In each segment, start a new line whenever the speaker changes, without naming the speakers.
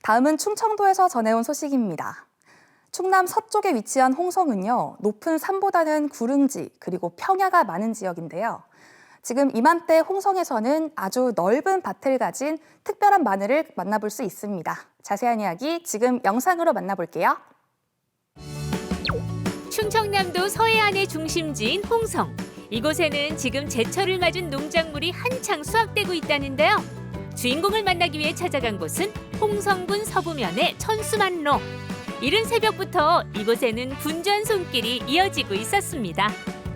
다음은 충청도에서 전해온 소식입니다. 충남 서쪽에 위치한 홍성은요, 높은 산보다는 구릉지 그리고 평야가 많은 지역인데요. 지금 이맘때 홍성에서는 아주 넓은 밭을 가진 특별한 마늘을 만나볼 수 있습니다. 자세한 이야기 지금 영상으로 만나볼게요.
충청남도 서해안의 중심지인 홍성. 이곳에는 지금 제철을 맞은 농작물이 한창 수확되고 있다는데요. 주인공을 만나기 위해 찾아간 곳은 홍성군 서부면의 천수만로. 이른 새벽부터 이곳에는 분주한 손길이 이어지고 있었습니다.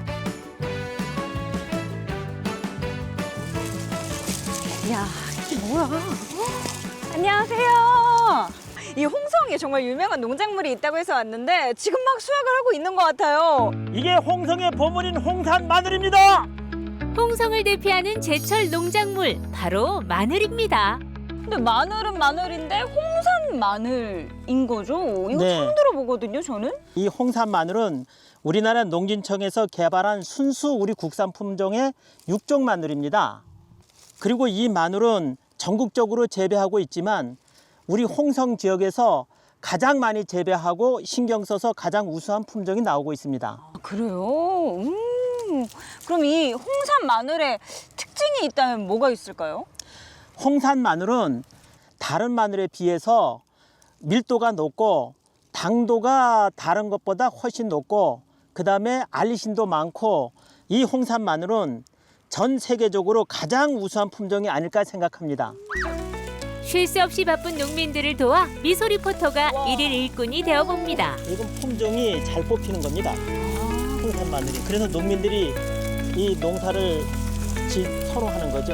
이야, 이게 뭐야? 안녕하세요. 이 홍성에 정말 유명한 농작물이 있다고 해서 왔는데 지금 막 수확을 하고 있는 것 같아요.
이게 홍성의 보물인 홍산 마늘입니다.
홍성을 대표하는 제철 농작물, 바로 마늘입니다.
근데 마늘은 마늘인데 홍산 마늘인 거죠? 이거
네.
처음 들어보거든요, 저는.
이 홍산 마늘은 우리나라 농진청에서 개발한 순수 우리 국산 품종의 육종 마늘입니다. 그리고 이 마늘은 전국적으로 재배하고 있지만 우리 홍성 지역에서 가장 많이 재배하고 신경 써서 가장 우수한 품종이 나오고 있습니다.
아, 그래요? 그럼 이 홍산 마늘에 특징이 있다면 뭐가 있을까요?
홍산 마늘은 다른 마늘에 비해서 밀도가 높고 당도가 다른 것보다 훨씬 높고 그다음에 알리신도 많고 이 홍산 마늘은 전 세계적으로 가장 우수한 품종이 아닐까 생각합니다.
쉴 새 없이 바쁜 농민들을 도와 미소 리포터가 일일 일꾼이 되어봅니다.
이건 품종이 잘 뽑히는 겁니다. 홍산 마늘이. 그래서 농민들이 이 농사를 서로 하는 거죠.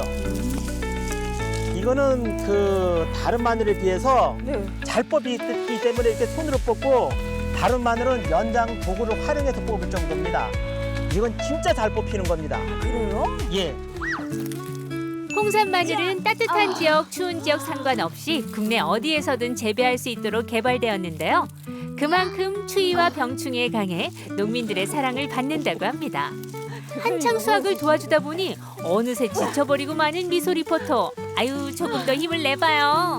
이거는 그 다른 마늘에 비해서
네.
잘 뽑히기 때문에 이렇게 손으로 뽑고 다른 마늘은 연장 도구를 활용해서 뽑을 정도입니다. 이건 진짜 잘 뽑히는 겁니다.
그래요?
예.
홍산 마늘은 따뜻한 지역, 추운 지역 상관없이 국내 어디에서든 재배할 수 있도록 개발되었는데요. 그만큼 추위와 병충해에 강해 농민들의 사랑을 받는다고 합니다. 한창 수확을 도와주다 보니 어느새 지쳐버리고 마는 미소 리포터. 아유, 조금 더 힘을 내봐요.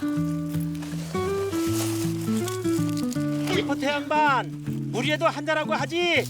리포터 양반, 무리해도 한잔하고 하지.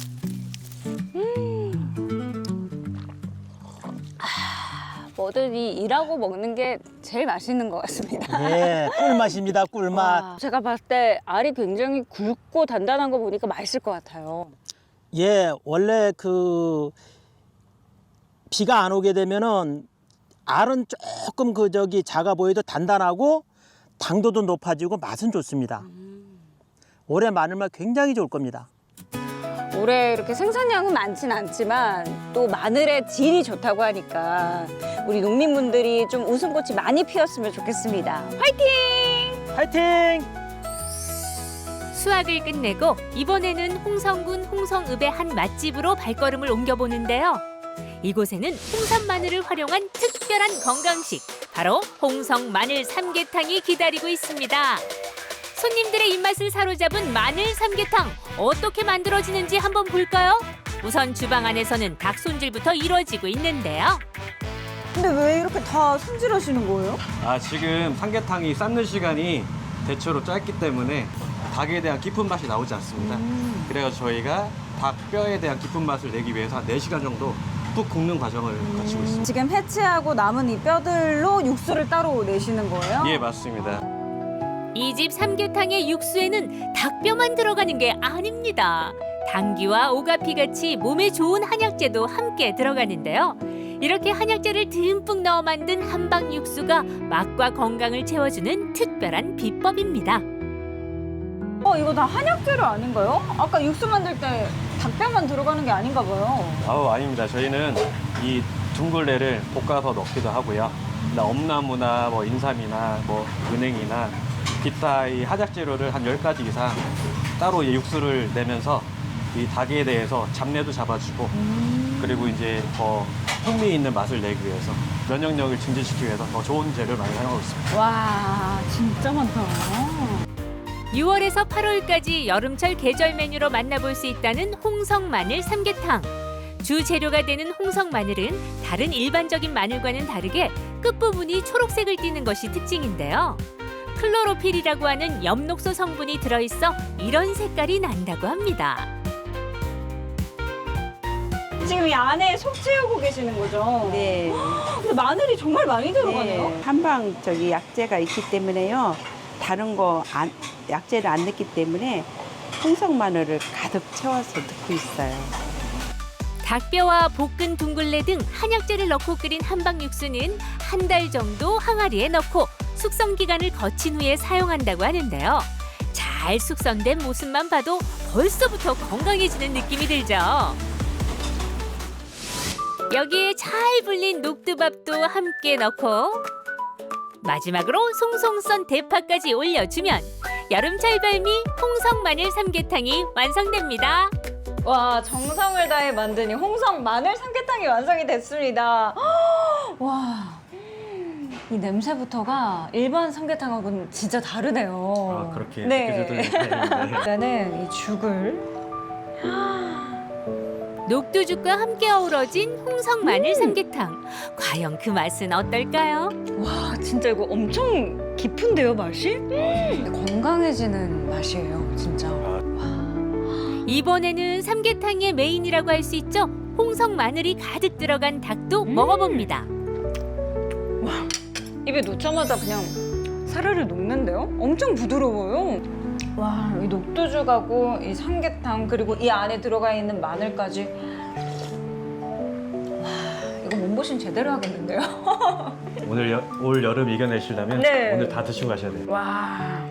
뭐든 이 일하고 먹는 게 제일 맛있는 것 같습니다.
예, 꿀맛입니다, 꿀맛.
와, 제가 봤을 때 알이 굉장히 굵고 단단한 거 보니까 맛있을 것 같아요.
예, 원래 그 비가 안 오게 되면은 알은 조금 작아 보여도 단단하고 당도도 높아지고 맛은 좋습니다. 올해 마늘맛 굉장히 좋을 겁니다.
올해 이렇게 생산량은 많진 않지만 또 마늘의 질이 좋다고 하니까 우리 농민분들이 좀 웃음꽃이 많이 피었으면 좋겠습니다. 화이팅!
파이팅!
수확을 끝내고 이번에는 홍성군 홍성읍의 한 맛집으로 발걸음을 옮겨보는데요. 이곳에는 홍산 마늘을 활용한 특별한 건강식, 바로 홍성 마늘 삼계탕이 기다리고 있습니다. 손님들의 입맛을 사로잡은 마늘 삼계탕, 어떻게 만들어지는지 한번 볼까요? 우선 주방 안에서는 닭 손질부터 이루어지고 있는데요.
근데 왜 이렇게 다 손질하시는 거예요?
지금 삼계탕이 삶는 시간이 대체로 짧기 때문에 닭에 대한 깊은 맛이 나오지 않습니다. 그래서 저희가 닭 뼈에 대한 깊은 맛을 내기 위해서 한 4시간 정도 푹 굽는 과정을 거치고 있습니다.
지금 해체하고 남은 이 뼈들로 육수를 따로 내시는 거예요?
예, 맞습니다.
이 집 삼계탕의 육수에는 닭뼈만 들어가는 게 아닙니다. 당귀와 오가피 같이 몸에 좋은 한약재도 함께 들어가는데요. 이렇게 한약재를 듬뿍 넣어 만든 한방 육수가 맛과 건강을 채워주는 특별한 비법입니다.
이거 다 한약재료 아닌가요? 아까 육수 만들 때 닭뼈만 들어가는 게 아닌가 봐요.
아닙니다. 저희는 이 둥글레를 볶아서 넣기도 하고요. 엄나무나 인삼이나 은행이나 기타 이 한약 재료를 한 10가지 이상 따로 육수를 내면서 이 닭에 대해서 잡내도 잡아주고 그리고 이제 더 풍미 있는 맛을 내기 위해서 면역력을 증진시키기 위해서 더 좋은 재료를 많이 사용하고 있습니다.
와, 진짜 많다.
6월에서 8월까지 여름철 계절 메뉴로 만나볼 수 있다는 홍성 마늘 삼계탕. 주 재료가 되는 홍성 마늘은 다른 일반적인 마늘과는 다르게 끝부분이 초록색을 띠는 것이 특징인데요. 클로로필이라고 하는 엽록소 성분이 들어있어 이런 색깔이 난다고 합니다.
지금 이 안에 속 채우고 계시는 거죠?
네.
근데 마늘이 정말 많이 들어가네요.
네. 한방 약재가 있기 때문에요. 다른 거 약재를 안 넣기 때문에 홍성 마늘을 가득 채워서 넣고 있어요.
닭뼈와 볶은 둥글레 등 한약재를 넣고 끓인 한방 육수는 한 달 정도 항아리에 넣고 숙성 기간을 거친 후에 사용한다고 하는데요. 잘 숙성된 모습만 봐도 벌써부터 건강해지는 느낌이 들죠. 여기에 잘 불린 녹두밥도 함께 넣고 마지막으로 송송 썬 대파까지 올려주면 여름철 별미 홍성 마늘 삼계탕이 완성됩니다.
와, 정성을 다해 만든 이 홍성 마늘 삼계탕이 완성이 됐습니다. 와, 이 냄새부터가 일반 삼계탕하고는 진짜 다르네요.
아, 그렇게
네.
느껴져도 다행인데.
일단은 이 죽을
녹두죽과 함께 어우러진 홍성 마늘 삼계탕. 과연 그 맛은 어떨까요?
와, 진짜 이거 엄청 깊은데요, 맛이? 건강해지는 맛이에요, 진짜.
이번에는 삼계탕의 메인이라고 할 수 있죠. 홍성 마늘이 가득 들어간 닭도 먹어봅니다.
입에 넣자마자 그냥 사르르 녹는데요? 엄청 부드러워요. 와, 이 녹두죽하고 이 삼계탕 그리고 이 안에 들어가 있는 마늘까지. 와, 이거 몸보신 제대로 하겠는데요?
올 여름 이겨내시려면
네.
오늘 다 드시고 가셔야 돼요.
와.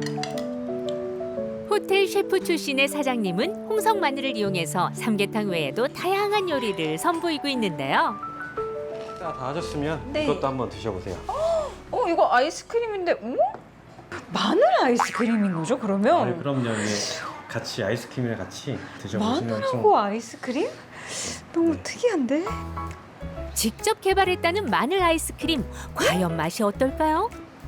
호텔 셰프 출신의 사장님은 홍성 마늘을 이용해서 삼계탕 외에도 다양한 요리를 선보이고 있는데요.
다 하셨으면
네.
이것도 한번 드셔보세요.
이거 아이스크림인데, 마늘 아이스크림인 거죠, 그러면?
네, 그럼요. 예. 같이 아이스크림이랑 같이 드셔보시면
마늘하고 아이스크림? 너무 특이한데?
직접 개발했다는 마늘 아이스크림. 과연 맛이 어떨까요?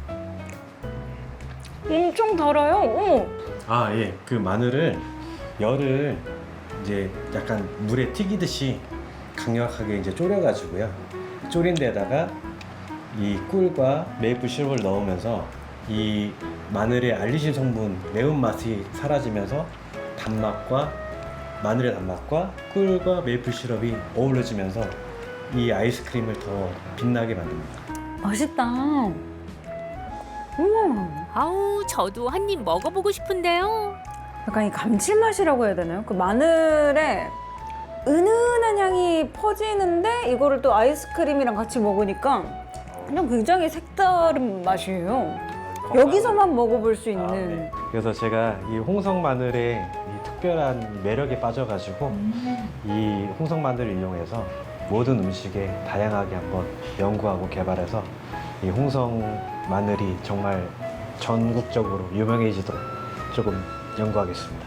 엄청 달아요. 어머.
아, 예. 그 마늘을 열을 이제 약간 물에 튀기듯이 강력하게 이제 졸여가지고요. 졸인 데다가 이 꿀과 메이플 시럽을 넣으면서 이 마늘의 알리신 성분 매운맛이 사라지면서 단맛과 마늘의 단맛과 꿀과 메이플 시럽이 어우러지면서 이 아이스크림을 더 빛나게 만듭니다.
맛있다. 어머.
아우, 저도 한 입 먹어보고 싶은데요.
약간 이 감칠맛이라고 해야 되나요? 그 마늘에 은은한 향이 퍼지는데 이거를 또 아이스크림이랑 같이 먹으니까 그냥 굉장히 색다른 맛이에요. 여기서만 먹어볼 수 있는.
네. 그래서 제가 이 홍성 마늘의 이 특별한 매력에 빠져가지고 이 홍성 마늘을 이용해서 모든 음식에 다양하게 한번 연구하고 개발해서 이 홍성 마늘이 정말 전국적으로 유명해지도록 조금 연구하겠습니다.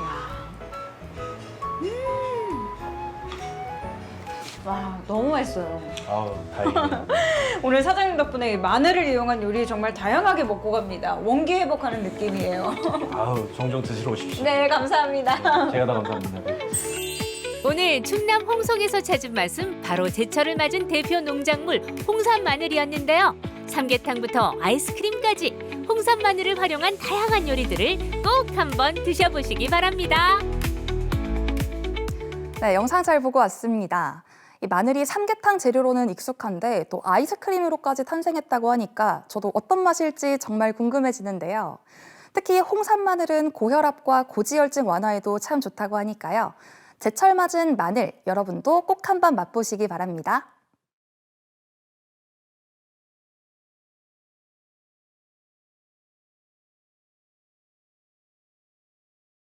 와, 너무 맛있어요.
아우, 다행이네요.
오늘 사장님 덕분에 마늘을 이용한 요리 정말 다양하게 먹고 갑니다. 원기 회복하는 느낌이에요.
아우, 종종 드시러 오십시오.
네, 감사합니다.
제가 더 감사합니다.
오늘 충남 홍성에서 찾은 맛은 바로 제철을 맞은 대표 농작물 홍산 마늘이었는데요. 삼계탕부터 아이스크림까지 홍산 마늘을 활용한 다양한 요리들을 꼭 한번 드셔보시기 바랍니다.
네, 영상 잘 보고 왔습니다. 이 마늘이 삼계탕 재료로는 익숙한데 또 아이스크림으로까지 탄생했다고 하니까 저도 어떤 맛일지 정말 궁금해지는데요. 특히 홍산 마늘은 고혈압과 고지혈증 완화에도 참 좋다고 하니까요. 제철 맞은 마늘 여러분도 꼭 한번 맛보시기 바랍니다.